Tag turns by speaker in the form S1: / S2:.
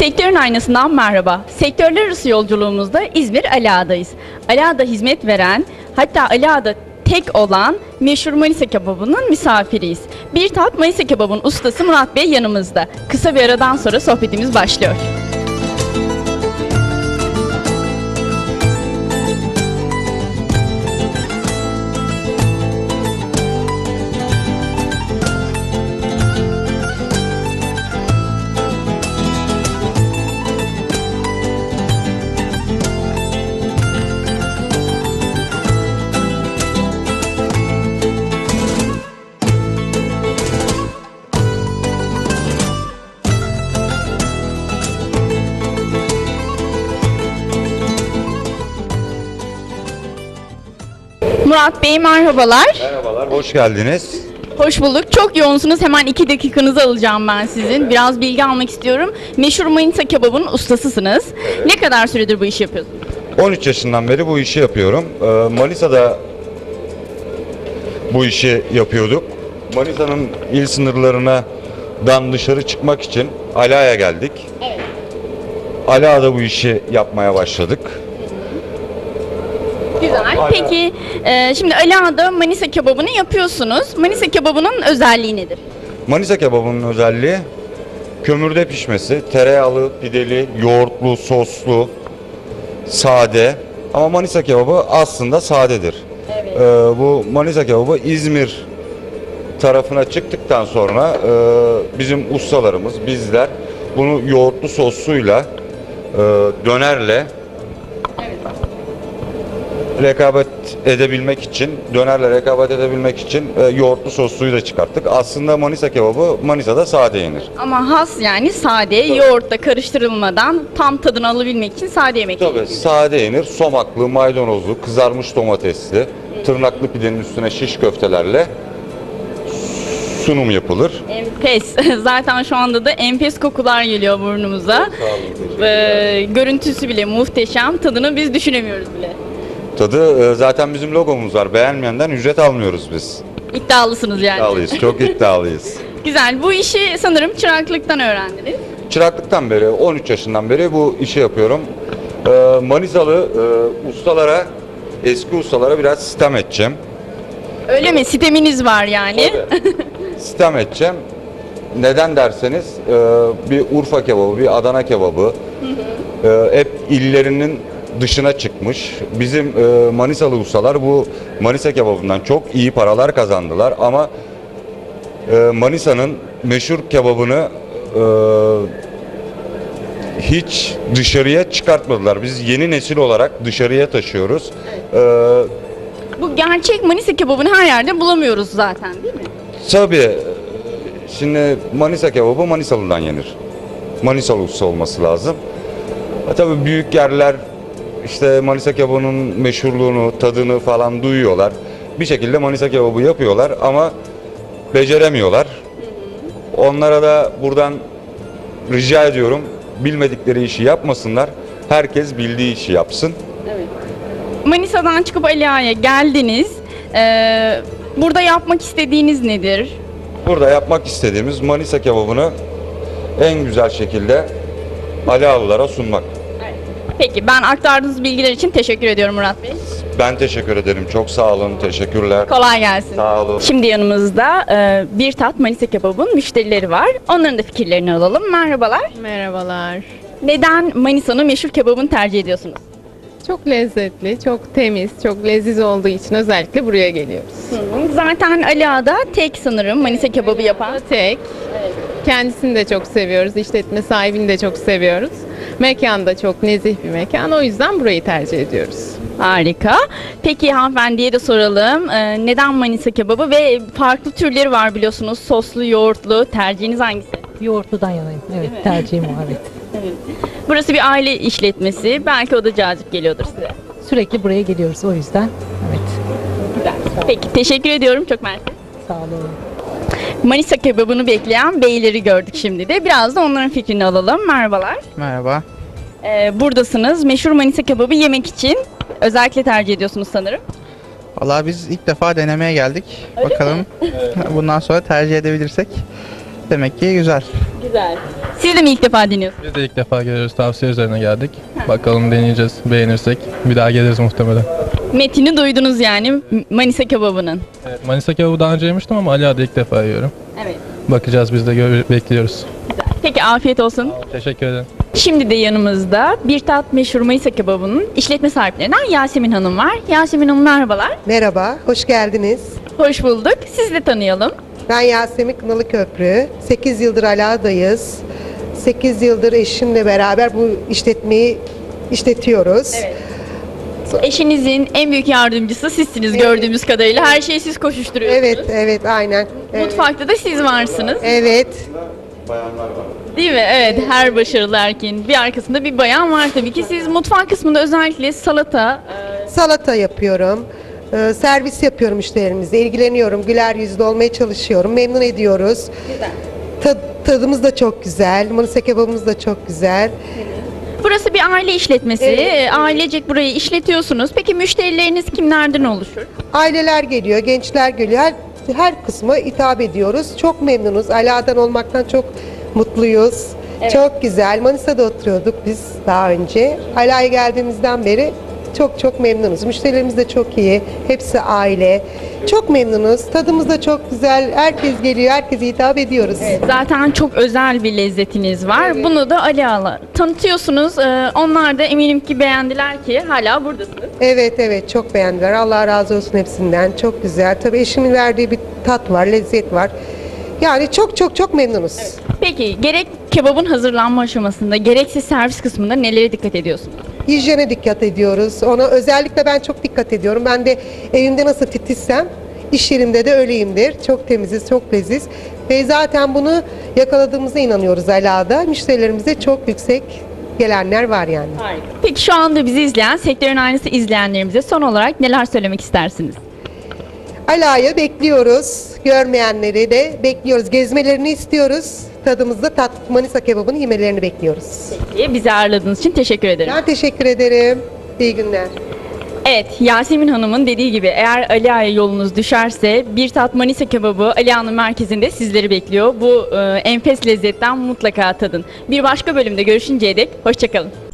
S1: Sektörün aynasından merhaba. Sektörler arası yolculuğumuzda İzmir Ali Ağa'dayız. Ali Ağa'da hizmet veren, hatta Ali Ağa'da tek olan meşhur Manisa kebabının misafiriyiz. Bir tat Manisa kebabının ustası Murat Bey yanımızda. Kısa bir aradan sonra sohbetimiz başlıyor. Murat Bey merhabalar.
S2: Merhabalar, hoş geldiniz.
S1: Hoş bulduk. Çok yoğunsunuz. Hemen 2 dakikanızı alacağım ben sizin. Biraz bilgi almak istiyorum. Meşhur Manisa kebabının ustasısınız. Ne kadar süredir bu işi yapıyorsunuz?
S2: 13 yaşından beri bu işi yapıyorum. Manisa'da bu işi yapıyorduk. Manisa'nın il sınırlarından dışarı çıkmak için Ali Ağa'ya geldik.
S1: Evet.
S2: Ali Ağa'da bu işi yapmaya başladık.
S1: Güzel. Peki şimdi Ali Ağa'da Manisa kebabını yapıyorsunuz. Manisa kebabının özelliği nedir?
S2: Manisa kebabının özelliği kömürde pişmesi, tereyağlı, pideli, yoğurtlu, soslu, sade. Ama Manisa kebabı aslında sadedir.
S1: Evet.
S2: Bu Manisa kebabı İzmir tarafına çıktıktan sonra bizim ustalarımız, bizler bunu yoğurtlu sosluyla, dönerle rekabet edebilmek için, dönerle rekabet edebilmek için yoğurtlu sosluyu da çıkarttık. Aslında Manisa kebabı Manisa'da sade yenir.
S1: Ama has yani sade, yoğurtla karıştırılmadan tam tadını alabilmek için sade yemek
S2: Tabii
S1: yeniyor.
S2: sade yenir. Somaklı, maydanozlu, kızarmış domatesli, tırnaklı pidenin üstüne şiş köftelerle sunum yapılır.
S1: Enfes. Zaten şu anda da enfes kokular geliyor burnumuza.
S2: Sağ olun, teşekkürler.
S1: Görüntüsü bile muhteşem. Tadını biz düşünemiyoruz bile.
S2: Tadı zaten bizim logomuz var. Beğenmeyenden ücret almıyoruz biz.
S1: İddialısınız yani.
S2: İddialıyız, çok iddialıyız.
S1: Güzel. Bu işi sanırım çıraklıktan öğrendiniz.
S2: Çıraklıktan beri, 13 yaşından beri bu işi yapıyorum. Manisalı ustalara, eski ustalara biraz sitem edeceğim.
S1: Öyle mi? Siteminiz var yani.
S2: Sitem edeceğim. Neden derseniz bir Urfa kebabı, bir Adana kebabı hep illerinin dışına çıkmış. Bizim Manisalı ustalar bu Manisa kebabından çok iyi paralar kazandılar ama Manisa'nın meşhur kebabını hiç dışarıya çıkartmadılar. Biz yeni nesil olarak dışarıya taşıyoruz.
S1: Bu gerçek Manisa kebabını her yerde bulamıyoruz zaten değil mi?
S2: Tabii şimdi Manisa kebabı Manisalı'dan yenir. Manisalı usta olması lazım. Tabii büyük yerler işte Manisa kebabının meşhurluğunu, tadını falan duyuyorlar. Bir şekilde Manisa kebabı yapıyorlar ama beceremiyorlar. Onlara da buradan rica ediyorum, bilmedikleri işi yapmasınlar. Herkes bildiği işi yapsın.
S1: Evet. Manisa'dan çıkıp Ali Ağa'ya geldiniz. Burada yapmak istediğiniz nedir?
S2: Burada yapmak istediğimiz Manisa kebabını en güzel şekilde Ali Ağalılara sunmak.
S1: Peki ben aktardığınız bilgiler için teşekkür ediyorum Murat Bey.
S2: Ben teşekkür ederim. Çok sağ olun. Teşekkürler.
S1: Kolay gelsin.
S2: Sağ olun.
S1: Şimdi yanımızda bir tat Manisa kebabın müşterileri var. Onların da fikirlerini alalım. Merhabalar.
S3: Merhabalar.
S1: Neden Manisa'nın meşhur kebabını tercih ediyorsunuz?
S3: Çok lezzetli, çok temiz, çok leziz olduğu için özellikle buraya geliyoruz.
S1: Zaten Ali Ağa'da tek sanırım Manisa kebabı yapan.
S3: Tek. Kendisini de çok seviyoruz. İşletme sahibini de çok seviyoruz. Mekan da çok nezih bir mekan. O yüzden burayı tercih ediyoruz.
S1: Harika. Peki hanımefendiye de soralım. Neden Manisa kebabı ve farklı türleri var biliyorsunuz. Soslu, yoğurtlu. Tercihiniz hangisi?
S4: Yoğurtludan yanayım. Evet, tercihim o, evet.
S1: Burası bir aile işletmesi. Belki o da cazip geliyordur size.
S4: Sürekli buraya geliyoruz o yüzden. Evet.
S1: Güzel. Peki teşekkür ediyorum. Çok mersi.
S4: Sağ olun.
S1: Manisa kebabını bekleyen beyleri gördük şimdi de. Biraz da onların fikrini alalım. Merhabalar.
S5: Merhaba.
S1: Buradasınız. Meşhur Manisa kebabı yemek için özellikle tercih ediyorsunuz sanırım.
S5: Vallahi biz ilk defa denemeye geldik.
S1: Öyle
S5: Bakalım bundan sonra tercih edebilirsek demek ki güzel.
S1: Güzel. Siz de mi ilk defa deniyorsunuz?
S6: Biz de ilk defa geliyoruz. Tavsiye üzerine geldik. Bakalım deneyeceğiz. Beğenirsek bir daha geliriz muhtemelen.
S1: Metini duydunuz yani Manisa kebabının.
S6: Evet, Manisa kebabı daha önce yemiştim ama Ali Ağa'da ilk defa yiyorum.
S1: Evet.
S6: Bakacağız biz de bekliyoruz.
S1: Peki afiyet olsun.
S6: Teşekkür ederim.
S1: Şimdi de yanımızda Bir Tat meşhur Manisa kebabının işletme sahiplerinden Yasemin Hanım var. Yasemin Hanım merhabalar.
S7: Merhaba, hoş geldiniz.
S1: Hoş bulduk. Sizi de tanıyalım.
S7: Ben Yasemin Kınalıköprü. 8 yıldır Ala'dayız. 8 yıldır eşimle beraber bu işletmeyi işletiyoruz.
S1: Eşinizin en büyük yardımcısı sizsiniz gördüğümüz kadarıyla. Her şeyi siz koşuşturuyorsunuz.
S7: Evet, evet, aynen. Evet.
S1: Mutfakta da siz varsınız.
S7: Evet,
S1: Değil mi? Evet. Her başarılı erkeğin bir arkasında bir bayan var tabii ki. Siz mutfak kısmında özellikle salata,
S7: salata yapıyorum. Servis yapıyorum müşterilerimize, ilgileniyorum. Güler yüzlü olmaya çalışıyorum. Memnun ediyoruz. Tadımız da çok güzel. Manisa kebabımız da çok güzel.
S1: burası bir aile işletmesi.
S7: Evet.
S1: Ailecek burayı işletiyorsunuz. Peki müşterileriniz kimlerden oluşur?
S7: Aileler geliyor, gençler geliyor. Her kısma hitap ediyoruz. Çok memnunuz. Ala'dan olmaktan çok mutluyuz. Çok güzel. Manisa'da oturuyorduk biz daha önce. Ala'ya geldiğimizden beri çok memnunuz. Müşterilerimiz de çok iyi. Hepsi aile. Çok memnunuz. Tadımız da çok güzel. Herkes geliyor. Herkese hitap ediyoruz.
S1: Zaten çok özel bir lezzetiniz var. Bunu da Ali Ağa'la tanıtıyorsunuz. Onlar da eminim ki beğendiler ki hala buradasınız.
S7: Evet, çok beğendiler. Allah razı olsun hepsinden. Çok güzel. Tabii eşimin verdiği bir tat var, lezzet var. Yani çok memnunuz.
S1: Peki gerek kebabın hazırlanma aşamasında gerekse servis kısmında nelere dikkat ediyorsunuz?
S7: Hijyene dikkat ediyoruz. Ona özellikle ben çok dikkat ediyorum. Ben de evimde nasıl titizsem iş yerimde de öyleyimdir. Çok temiziz, çok leziz. Ve zaten bunu yakaladığımıza inanıyoruz Ala'da. Müşterilerimize çok yüksek gelenler var yani.
S1: Peki şu anda bizi izleyen, sektörün aynısı izleyenlerimize son olarak neler söylemek istersiniz?
S7: Ala'yı bekliyoruz. Görmeyenleri de bekliyoruz. Gezmelerini istiyoruz. Tadımızda Manisa kebabını yemelerini bekliyoruz.
S1: Bizi ağırladığınız için teşekkür ederim.
S7: Ben teşekkür ederim. İyi günler.
S1: Evet, Yasemin Hanım'ın dediği gibi eğer Ali Ağa'ya yolunuz düşerse Bir Tat Manisa kebabı Ali Ağa'nın merkezinde sizleri bekliyor. Bu enfes lezzetten mutlaka tadın. Bir başka bölümde görüşünceye dek hoşçakalın.